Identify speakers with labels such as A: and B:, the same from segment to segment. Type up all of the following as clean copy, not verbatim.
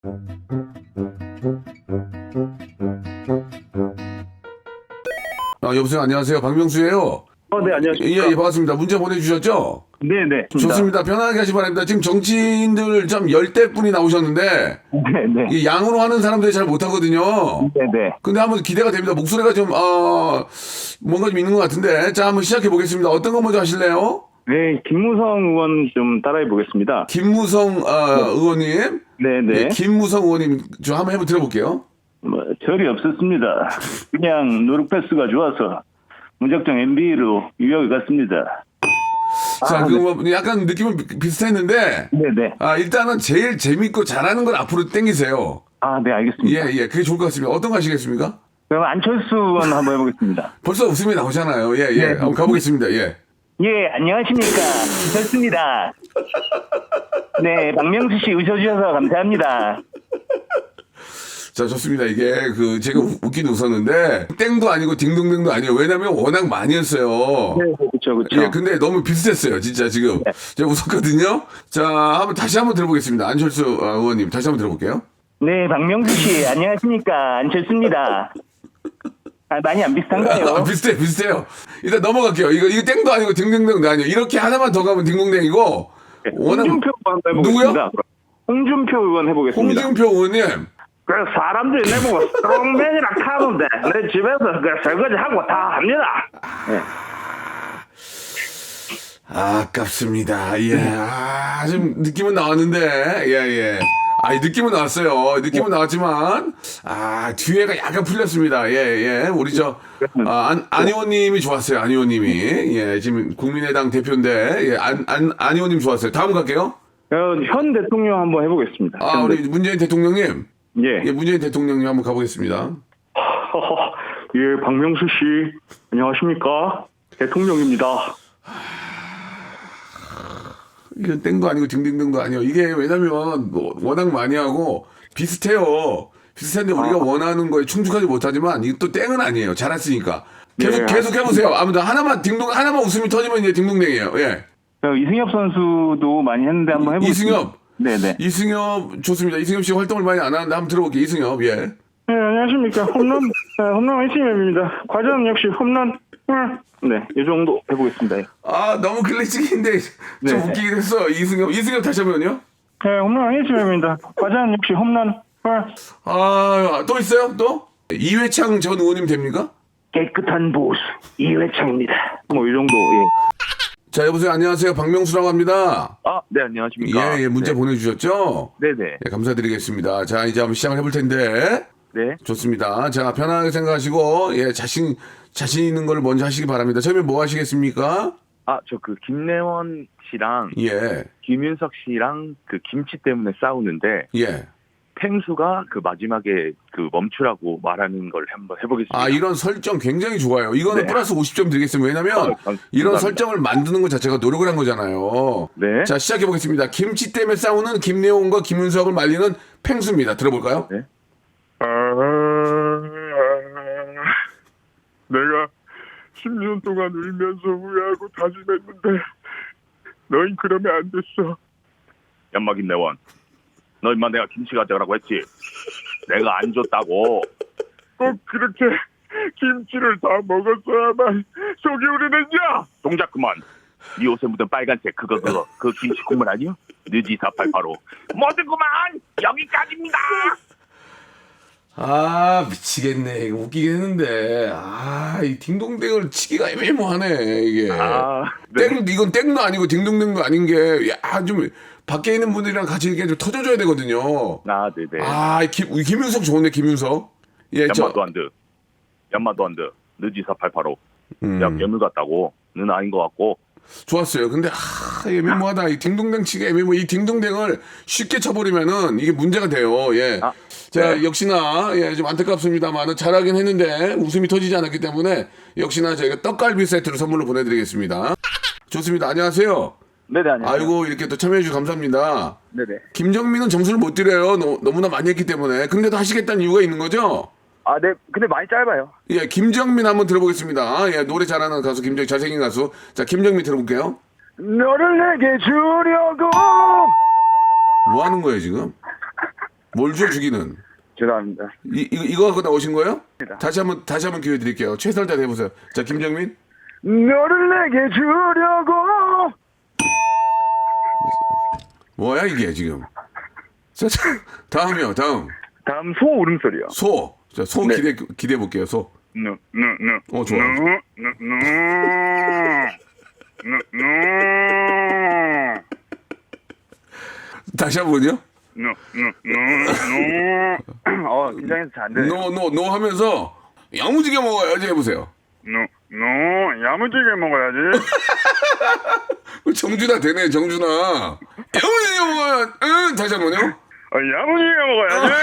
A: 여보세요. 안녕하세요. 박명수예요.
B: 네, 안녕하십니까.
A: 예, 반갑습니다. 문자 보내주셨죠?
B: 네네.
A: 좋습니다. 편안하게 하시기 바랍니다. 지금 정치인들 좀 열대 분이 나오셨는데
B: 네네.
A: 이 양으로 하는 사람들이 잘 못하거든요.
B: 네네.
A: 근데 한번 기대가 됩니다. 목소리가 좀 뭔가 좀 있는 것 같은데, 자 한번 시작해 보겠습니다. 어떤 거 먼저 하실래요?
B: 네, 김무성 의원 좀 따라해 보겠습니다.
A: 김무성 의원님.
B: 네네.
A: 예, 김무성 의원님 좀 한번 들어볼게요.
B: 절이 없었습니다. 그냥 누룩 패스가 좋아서 무작정 MB로 유역을 갔습니다.
A: 자, 뭐 약간 느낌은 비슷했는데,
B: 네네.
A: 일단은 제일 재밌고 잘하는 걸 앞으로 땡기세요.
B: 네, 알겠습니다.
A: 예, 그게 좋을 것 같습니다. 어떤 거 하시겠습니까?
B: 그럼 안철수 의원 한번 해보겠습니다.
A: 벌써 웃음이 나오잖아요. 예.
B: 네.
A: 한번 가보겠습니다. 예.
B: 예, 안녕하십니까. 좋습니다. 네, 박명수 씨 웃어주셔서 감사합니다.
A: 자, 좋습니다. 이게 제가 웃긴 웃었는데 땡도 아니고 딩동댕도 아니에요. 왜냐면 워낙 많이 했어요.
B: 네, 그렇죠.
A: 예, 근데 너무 비슷했어요. 진짜 지금. 제가 웃었거든요. 자, 다시 한번 들어보겠습니다. 안철수 의원님 다시 한번 들어볼게요.
B: 네, 박명수 씨 안녕하십니까. 안철수입니다. 많이 안 비슷한가요?
A: 비슷해요. 일단 넘어갈게요. 이거 땡도 아니고 딩동댕도 아니에요. 이렇게 하나만 더 가면 딩동댕이고.
B: 홍준표 의원 해보겠습니다.
A: 누구요?
B: 홍준표 의원 해보겠습니다.
A: 홍준표 의원님.
B: 사람들이 내보고 스트롱맨이라 하는데 내 집에서 설거지 하고 다 합니다. 네.
A: 아깝습니다. 예. 좀 느낌은 나왔는데. 예. 느낌은 나왔어요. 느낌은 나왔지만, 뒤에가 약간 풀렸습니다. 예. 우리 안 의원님이 좋았어요. 안 의원님이. 예, 지금 국민의당 대표인데, 예, 안 의원님 좋았어요. 다음 갈게요.
B: 현 대통령 한번 해보겠습니다.
A: 우리 문재인 대통령님.
B: 예.
A: 문재인 대통령님 한번 가보겠습니다.
B: 예, 박명수 씨, 안녕하십니까? 대통령입니다.
A: 이건 땡도 아니고 딩딩딩도 아니에요. 이게 왜냐면 워낙 많이 하고 비슷해요. 비슷한데 우리가 원하는 거에 충족하지 못하지만 이게 또 땡은 아니에요. 잘했으니까. 계속 해보세요. 아무튼 하나만 웃음이 터지면 이제 딩동댕이에요. 예.
B: 이승엽 선수도 많이 했는데 한번 해보겠습니다.
A: 이승엽.
B: 네네.
A: 이승엽 좋습니다. 이승엽 씨 활동을 많이 안 하는데 한번 들어볼게요. 이승엽. 예.
B: 네, 안녕하십니까. 홈런 이승엽입니다. 과전 역시 홈런. 네, 이 정도 해보겠습니다.
A: 너무 클래식인데 좀
B: 네.
A: 웃기긴 했어. 이승엽 다시 한번요.
B: 네, 홈런 이승엽입니다. 과전 역시 홈런.
A: 또 있어요? 또? 이회창 전 의원님 됩니까?
B: 깨끗한 보수 이회창입니다. 뭐 이 정도. 예.
A: 자, 여보세요. 안녕하세요. 박명수라고 합니다.
B: 네, 안녕하십니까.
A: 예, 문자 보내주셨죠?
B: 네네.
A: 네, 감사드리겠습니다. 자, 이제 한번 시작을 해볼 텐데.
B: 네.
A: 좋습니다. 자, 편안하게 생각하시고, 예, 자신 있는 걸 먼저 하시기 바랍니다. 처음에 뭐 하시겠습니까?
C: 저 김래원 씨랑
A: 예,
C: 김윤석 씨랑 김치 때문에 싸우는데
A: 예.
C: 펭수가 마지막에 멈추라고 말하는 걸 한번 해보겠습니다.
A: 이런 설정 굉장히 좋아요. 이거는
C: 네.
A: 플러스 50점 드리겠습니다. 왜냐면 이런 설정을 만드는 것 자체가 노력을 한 거잖아요.
C: 네.
A: 자, 시작해보겠습니다. 김치 때문에 싸우는 김래원과 김윤석을 말리는 펭수입니다. 들어볼까요?
C: 네.
D: 내가 10년 동안 울면서 후회하고 다짐했는데 너희 그러면 안 됐어.
C: 연마 김래원, 너 임마 내가 김치 가져가라고 했지? 내가 안 줬다고.
D: 꼭 그렇게 김치를 다 먹었어야만 속이 우리는냐?
C: 동작 그만. 네 옷에 묻은 빨간색 그 김치 국물 아니야? 느지 4885. 모든 그만. 여기까지입니다.
A: 미치겠네. 이거 웃기긴 했는데. 이 딩동댕을 치기가 애매모하네, 이게.
C: 네.
A: 이건 땡도 아니고 딩동댕도 아닌 게, 좀, 밖에 있는 분들이랑 같이 이렇게 좀 터져줘야 되거든요.
C: 네네.
A: 김윤석 좋은데, 김윤석. 예,
C: 연마도 안 돼. 느지 4885. 야, 괴물 같다고. 너는 아닌 것 같고.
A: 좋았어요. 근데, 애매모하다. 이 딩동댕 치기 애매모. 이 딩동댕을 쉽게 쳐버리면은 이게 문제가 돼요. 예. 자,
C: 네.
A: 역시나, 예, 좀 안타깝습니다만, 잘하긴 했는데, 웃음이 터지지 않았기 때문에, 역시나 저희가 떡갈비 세트를 선물로 보내드리겠습니다. 좋습니다. 안녕하세요.
C: 네네, 안녕하세요.
A: 아이고, 이렇게 또 참여해주셔서 감사합니다.
C: 네네.
A: 김정민은 점수를 못 드려요. 너무나 많이 했기 때문에. 근데도 하시겠다는 이유가 있는 거죠?
C: 네. 근데 많이 짧아요.
A: 예, 김정민 한번 들어보겠습니다. 예, 노래 잘하는 가수, 잘생긴 가수. 자, 김정민 들어볼게요.
D: 너를 내게 주려고
A: 뭐 하는 거예요, 지금? 뭘 줘, 주기는?
B: 죄송합니다.
A: 이거 갖고 나오신 거예요? 다시 한번 기회 드릴게요. 최선을 다해 해보세요. 자, 김정민.
B: 너를 내게 주려고.
A: 뭐야, 이게 지금? 자, 다음이요, 다음.
B: 다음 소 울음소리요.
A: 소. 자, 소
B: 네.
A: 기대해 볼게요, 소. 좋아. 다시 한 번요.
B: 긴장해서 잘 안 되네.
A: 노 하면서 야무지게 먹어야지 해보세요.
B: 야무지게 먹어야지.
A: 정준아 되네, 정준아. 야무지게 먹어야. 응, 다시 한 번요.
B: 야무지게 먹어야지.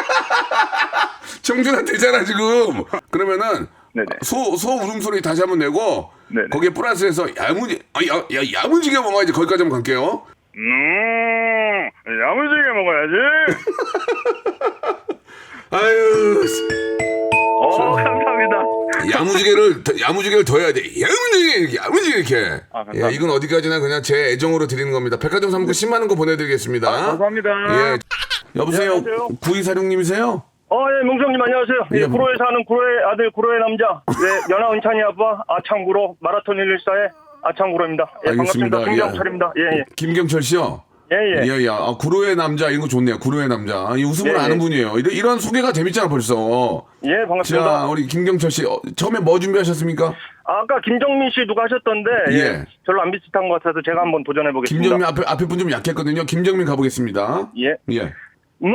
A: 정준아 되잖아 지금. 그러면은
B: 네네.
A: 소 울음소리 다시 한번 내고
B: 네네.
A: 거기에 플러스해서 야무지게 먹어야지. 거기까지 한번 갈게요.
B: 야무지게 먹어야지.
A: 아유,
B: 감사합니다.
A: 야무지게를 더 해야 돼. 야무지게 이렇게.
B: 감사합니다.
A: 예, 이건 어디까지나 그냥 제 애정으로 드리는 겁니다. 백화점 상품 10만 원 거 보내드리겠습니다.
B: 감사합니다.
A: 예. 여보세요.
B: 안녕하세요.
A: 9246님이세요?
B: 예, 명성님 안녕하세요.
A: 예,
B: 예, 구로에 사는 구로의 아들, 구로의 남자. 예, 연하 은찬이 아빠, 아창구로, 마라톤 114의 아창구로입니다. 예,
A: 알겠습니다.
B: 반갑습니다. 김경철입니다. 예, 예.
A: 김경철 씨요?
B: 예, 예.
A: 예. 구로의 남자, 이거 좋네요. 구로의 남자. 이 웃음을
B: 예,
A: 아는
B: 예.
A: 분이에요. 이런 소개가 재밌잖아, 벌써.
B: 예, 반갑습니다.
A: 자, 우리 김경철 씨, 처음에 뭐 준비하셨습니까?
B: 아까 김정민 씨 누가 하셨던데,
A: 예.
B: 예. 별로 안 비슷한 것 같아서 제가 한번 도전해보겠습니다.
A: 김정민 앞에 분 좀 약했거든요. 김정민 가보겠습니다.
B: 예.
A: 예.
B: 널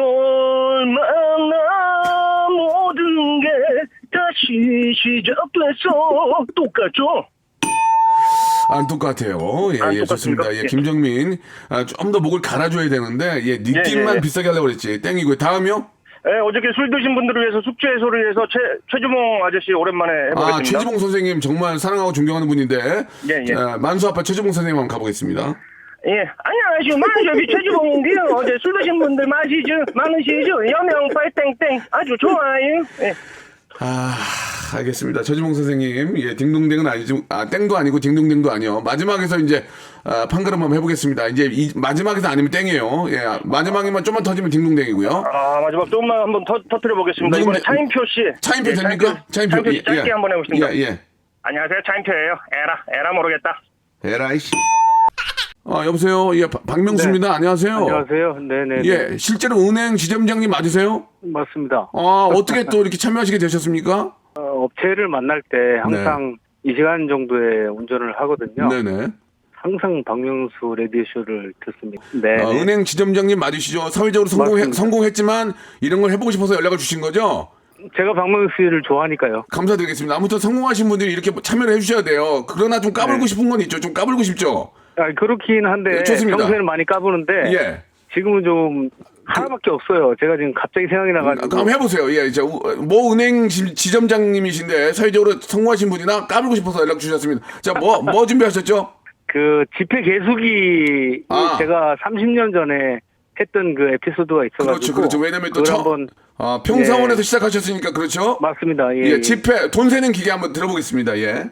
B: 만나 모든 게 다시 시작됐어. 똑같죠?
A: 안 똑같아요. 예,
B: 안
A: 예, 좋습니다.
B: 똑같습니까?
A: 예,
B: 예.
A: 김정민. 좀 더 목을 갈아줘야 되는데, 예, 느낌만
B: 예, 예.
A: 비싸게 하려고 그랬지. 땡이고요. 다음이요?
B: 예, 어저께 술 드신 분들을 위해서 숙제 해소를 위해서 최주몽 아저씨 오랜만에 해보겠습니다.
A: 최지봉 선생님 정말 사랑하고 존경하는 분인데,
B: 예, 예.
A: 만수 아빠 최지봉 선생님 한번 가보겠습니다.
B: 예, 안녕하세요. 만수비 최주봉인데요. 어제 술 드신 분들 많으시죠? 여명 빨땡땡 아주 좋아요. 예.
A: 알겠습니다. 최지봉 선생님, 예, 딩동댕은 아니지, 땡도 아니고 딩동댕도 아니요. 마지막에서 이제, 판가름 한번 해보겠습니다. 이제 마지막에서 아니면 땡이에요. 예, 마지막에만 좀만 터지면 딩동댕이고요.
B: 마지막 조금만 한번 터뜨려 보겠습니다. 이번에 차인표 씨.
A: 차인표
B: 예,
A: 됩니까? 차인표.
B: 씨 짧게 한번 해보겠습니다.
A: 예.
B: 안녕하세요. 차인표예요. 에라 모르겠다.
A: 에라이씨. 여보세요. 예, 박명수입니다. 안녕하세요.
B: 안녕하세요. 네네.
A: 예, 실제로 은행 지점장님 맞으세요?
B: 맞습니다.
A: 어떻게 또 이렇게 참여하시게 되셨습니까?
B: 업체를 만날 때 항상 2시간 정도의 운전을 하거든요.
A: 네네.
B: 항상 박명수 라디오쇼를 듣습니다. 네.
A: 은행 지점장님 맞으시죠? 사회적으로
B: 맞습니다.
A: 성공했지만 이런 걸 해보고 싶어서 연락을 주신 거죠?
B: 제가 박명수 씨를 좋아하니까요.
A: 감사드리겠습니다. 아무튼 성공하신 분들이 이렇게 참여를 해주셔야 돼요. 그러나 좀 까불고
B: 네.
A: 싶은 건 있죠. 좀 까불고 싶죠?
B: 그렇긴 한데
A: 좋습니다.
B: 평소에는 많이 까부는데
A: 예.
B: 지금은 좀 하나밖에 없어요. 제가 지금 갑자기 생각이 나가지고.
A: 그럼 해보세요. 예, 이제 뭐 은행 지점장님이신데 사회적으로 성공하신 분이나 까불고 싶어서 연락 주셨습니다. 자, 뭐 준비하셨죠?
B: 그 지폐 개수기 제가 30년 전에 했던 그 에피소드가 있어가지고.
A: 그렇죠. 왜냐면 또
B: 한번
A: 평사원에서 시작하셨으니까 그렇죠?
B: 맞습니다. 예,
A: 예, 지폐 돈 세는 기계 한번 들어보겠습니다. 예.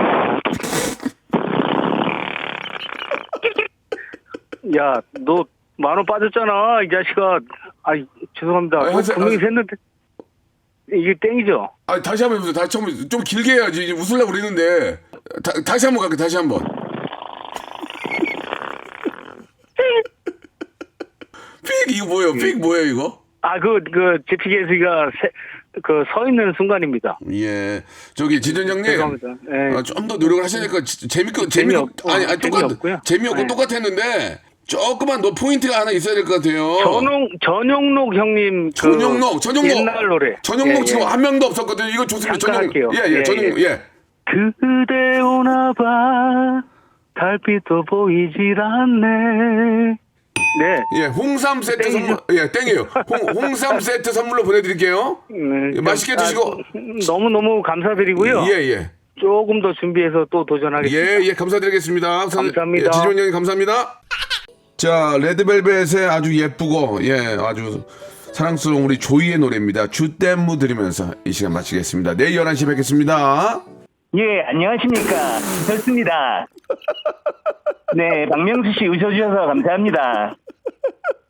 B: 야, 너 10,000원 빠졌잖아, 이 자식아. 죄송합니다. 분명히 샜는데 이게 땡이죠?
A: 다시 한번 해보세요. 다시 처음 좀 길게 해야지. 이제 웃으려고 그러는데 다시 한번 갈게요. 다시 한번. 픽 이거 뭐예요? 픽 뭐예요 이거?
B: 그 지폐 개수기가 서 있는 순간입니다.
A: 예, 저기 지점장님,
B: 죄송합니다. 예.
A: 좀 더 노력을 하셔야 될 것 같아요. 재미없고 재미없고 똑같았는데 조금만 더 포인트가 하나 있어야 될 것 같아요.
B: 전용록 형님
A: 전용록
B: 옛날 노래.
A: 전용록 지금 한 명도 없었거든요. 이거 좋습니다.
B: 잠깐 할게요.
A: 전용록. 예.
B: 그대 오나봐 달빛도 보이질 않네. 네.
A: 예, 홍삼 세트 선물. 예, 땡이에요. 홍삼 세트 선물로 보내드릴게요.
B: 네,
A: 맛있게 드시고.
B: 너무 감사드리고요.
A: 예.
B: 조금 더 준비해서 또 도전하겠습니다.
A: 예, 감사드리겠습니다.
B: 감사합니다.
A: 예, 지지원 형님 감사합니다. 자, 레드벨벳의 아주 예쁘고, 아주 사랑스러운 우리 조이의 노래입니다. 주댐무 들으면서 이 시간 마치겠습니다. 내일 11시 뵙겠습니다.
E: 예, 안녕하십니까. 좋습니다. 네, 박명수 씨 웃어주셔서 감사합니다.